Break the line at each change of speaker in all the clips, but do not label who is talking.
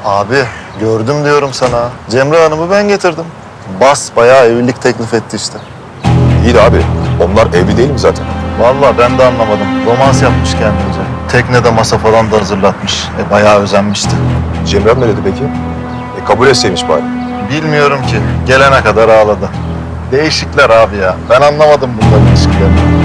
Abi gördüm diyorum sana. Cemre Hanım'ı ben getirdim. Bayağı evlilik teklif etti işte.
İyi de abi, onlar evli değil mi zaten?
Vallahi ben de anlamadım. Romans yapmış kendince. Teknede masa falan da hazırlatmış. Bayağı özenmişti.
Cemrem ne dedi peki? Kabul etseymiş bari.
Bilmiyorum ki. Gelene kadar ağladı. Değişikler abi ya. Ben anlamadım bunların ilişkilerini.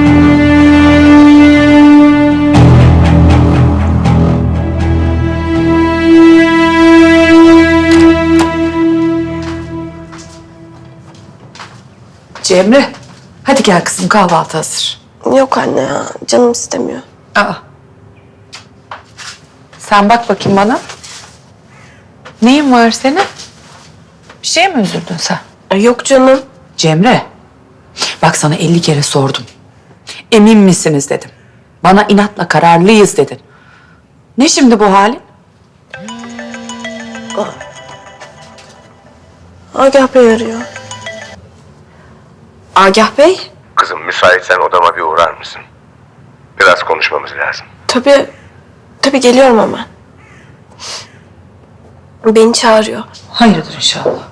Cemre, hadi gel kızım kahvaltı hazır.
Yok anne ya, canım istemiyor.
Aa. Sen bak bakayım bana. Neyin var senin? Bir şeye mi üzüldün sen?
Yok canım.
Cemre, bak sana 50 kere sordum. Emin misiniz dedim. Bana inatla kararlıyız dedin. Ne şimdi bu halin?
Agah Bey arıyor. Agah Bey?
Kızım müsaitsen odama bir uğrar mısın? Biraz konuşmamız lazım.
Tabii geliyorum hemen. Beni çağırıyor.
Hayırdır inşallah.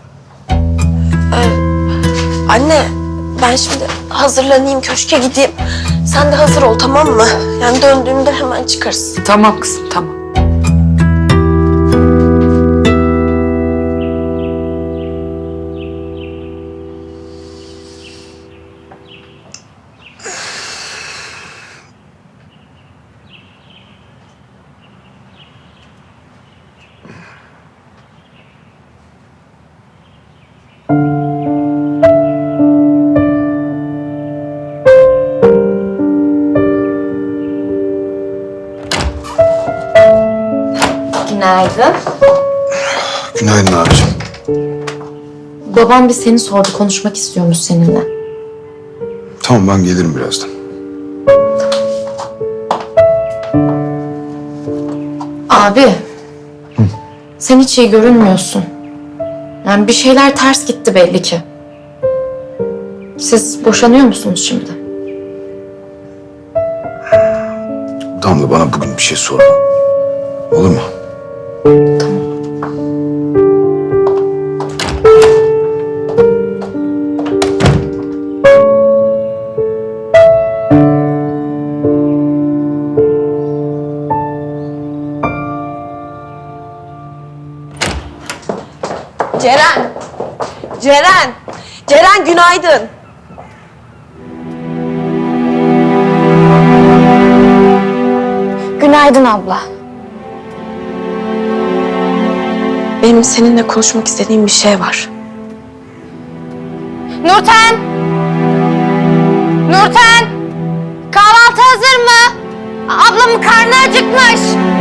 Anne, ben şimdi hazırlanayım, köşke gideyim. Sen de hazır ol, tamam mı? Yani döndüğümde hemen çıkarız.
Tamam kızım, tamam.
Günaydın.
Günaydın abicim.
Babam bir seni sordu, konuşmak istiyormuş seninle.
Tamam ben gelirim birazdan.
Abi, sen hiç iyi görünmüyorsun. Yani bir şeyler ters gitti belli ki. Siz boşanıyor musunuz şimdi?
Damla bana bugün bir şey sorma. Olur mu?
Ceren! Ceren! Ceren günaydın.
Günaydın abla.
Benim seninle konuşmak istediğim bir şey var.
Nurten! Nurten! Kahvaltı hazır mı? Ablamın karnı acıkmış.